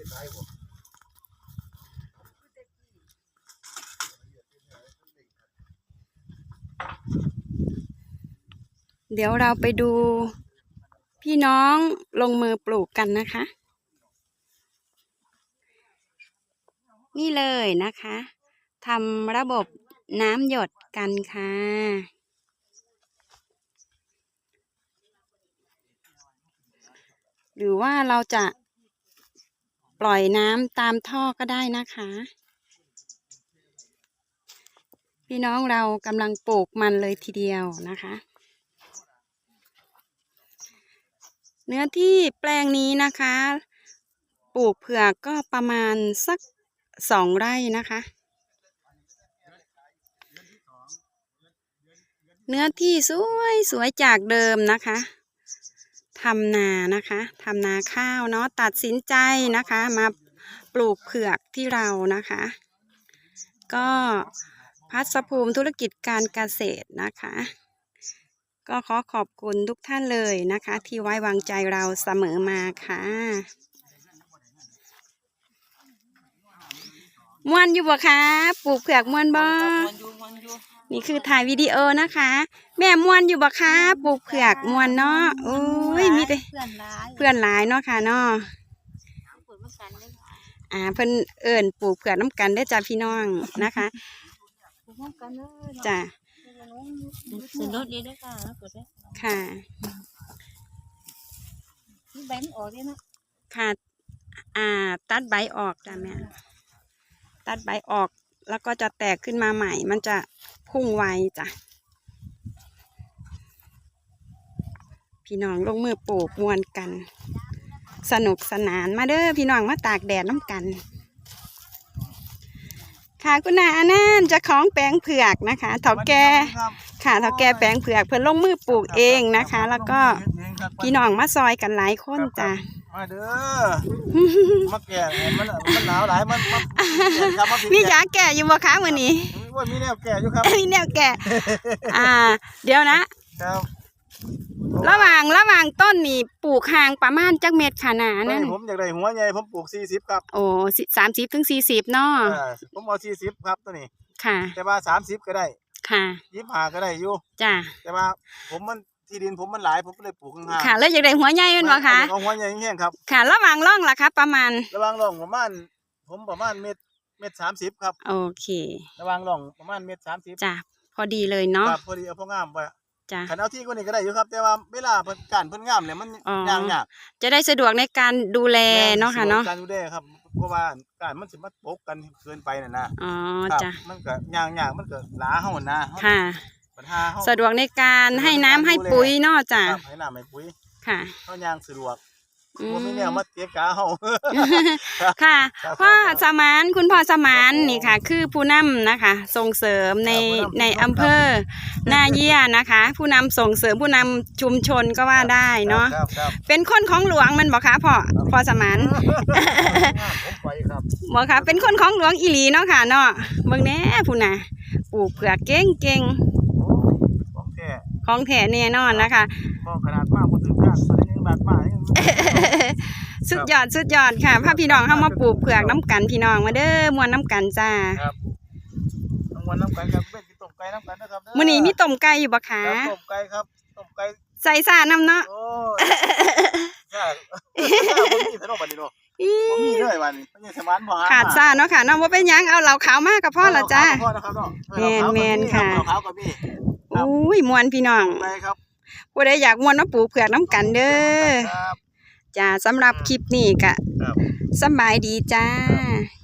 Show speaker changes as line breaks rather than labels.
เดี๋ยวเราไปดูพี่น้องลงมือปลูกกันนะคะนี่เลยนะคะทำระบบน้ำหยดกันค่ะหรือว่าเราจะปล่อยน้ำตามท่อก็ได้นะคะพี่น้องเรากำลังปลูกมันเลยทีเดียวนะคะเนื้อที่แปลงนี้นะคะปลูกเผือกก็ประมาณสัก2 ไร่นะคะเนื้อที่สวยจากเดิมนะคะทำนานะคะทำนาข้าวเนาะตัดสินใจนะคะมาปลูกเผือกที่เรานะคะก็พัฒภูมิธุรกิจการเกษตรนะคะก็ขอขอบคุณทุกท่านเลยนะคะที่ไว้วางใจเราเสมอมาค่ะม่วนอยู่บ่คะปลูกเผือกม่วนบ่นี่คือถ่ายวิดีโอนะคะแม่ม่วนอยู่บ่คะปลูกเผือกม่วนเนาะโอ้ยมีแต่เพื่อนหลายเนาะค่ะเนาะเพิ่นเอิ้นปลูกเผือกน้ำกันได้จ้าพี่น้องนะคะจ้า
สนุกดีด้วยค่ะ
ค่ะ
แบงออกได้นะ
ค่ะตัดใบออกจ้ะแม่ตัดใบออกแล้วก็จะแตกขึ้นมาใหม่มันจะพุ่งไวจ้ะพี่น้องลงมือปลูกมวนกันสนุกสนานมาเด้อพี่น้องมาตากแดดน้ำกันค่ะคุณนาอนันต์เจ้าของแปลงเผือกนะคะเฒ่าแก่ค่ะเฒ่าแก่แปลงเผือกเพื่อนลงมือปลูกเองนะคะแล้วก็พี่น้องมาซอยกันหลายคนจ้ะ
มาเด้อมาแก่มันหนาวหลายมัน
มียาแก่อยู่บ่คะมื้อนี้
ว่ามีแนวแก่อยู่ครับ
มีแนวแก่เดี๋ยวนะครับระหว่างต้นนี่ปลูกห่างประมาณจักเม็ดค่ะนานั่น
ผมอยากได้หัวใหญ่ผมปลูก40ครับ
โอ้30 ถึง 40เนาะ
ผมเอา40ครับตัวนี้
ค่ะ
แต่ว่า30ก็ได้
ค่ะ
25ก็ได้อยู่
จ้ะ
แต่ว่าผมมันที่ดินผมมันหลายผมเลยปลูกข้างๆ
ค่ะแล้วอยากได้หัวใหญ่แม่นบ่คะ
เอาหัวใหญ่แห้งครับ
ค่ะระหว่างร่องล่ะครับประมาณ
ระหว่างร่องประมาณเม็ด30ครับ
โอเค
ระหว่างร่องประมาณเม็ด30
จ้ะพอดีเลยเนาะ
พอดีเอาพองามไป
จ้ะ
ขันเอาที่คนนี้ก็ได้อยู่ครับแต่ว่าเวลาเพิ่นงามเนี่ยมันยาก
จะได้สะดวกในการดูแลเนาะค่ะเนาะ
การดูแลครับเพราะว่าการมันสิมาปกกันเกินไปน่ะนะ
อ๋อจ้ะ
มันก็ยากมันก็หลาเฮานะ
ค่ะสะดวกในการให้น้ำให้ปุ๋ยเนาะจ้ะ
ให้น้ำให้ปุ๋ย
ค่ะ
เฮาย่างสะดวกบ่มีแนวมาเกะกะเฮา
ค่ะพ่อสมานคุณพ่อสมานนี่ค่ะคือผู้นำนะคะส่งเสริมในอำเภอนาเยี่ยนะคะผู้นำส่งเสริมผู้นำชุมชนก็ว่าได้เนาะเป็นคนของหลวงมันบอกคะพ่อสมานบอกค่ะเป็นคนของหลวงอีหลีเนาะค่ะเนาะเบิ่งแน่ผู้น่ะปลูกเผือกเก่งของแท้แน่นอนนะคะ
ขนาดมากบ่ถึงกันบาทมา
สุดยอดค่ะพาพี่น้องเข้ามาปลูกเผือกน้ำกันพี่น้องมาเด้อมวนน้ำกันจ้า
ครับมวนน้ำกันครับเป็นต้มไก่น้ำกันนะครับ
มื้อนี้มีต้มไก่อยู่บ่คะ
ต้มไก่ครับต้มไก่
ใส่ซ่าน้ำเนาะ
โอ้ซ่าบ่มีซะเนาะบัดนี้เนาะบ่มีเลยบัดนี้มันยังสมานบ่หา
ขาดซ่าเนาะค่ะเนาะบ่เป็นหยังเอาเหล้าขาวมาก็พอละจ้าแม่นค่ะ
เหล้าขาวก็มี
อุ้ยมวนพี่น้อง
ไปครับ
ผู้ใดอยากมวนมาปลูกเผือกน้ำกันเด้อจ้าสำหรับคลิปนี้ก็สบายดีจ้า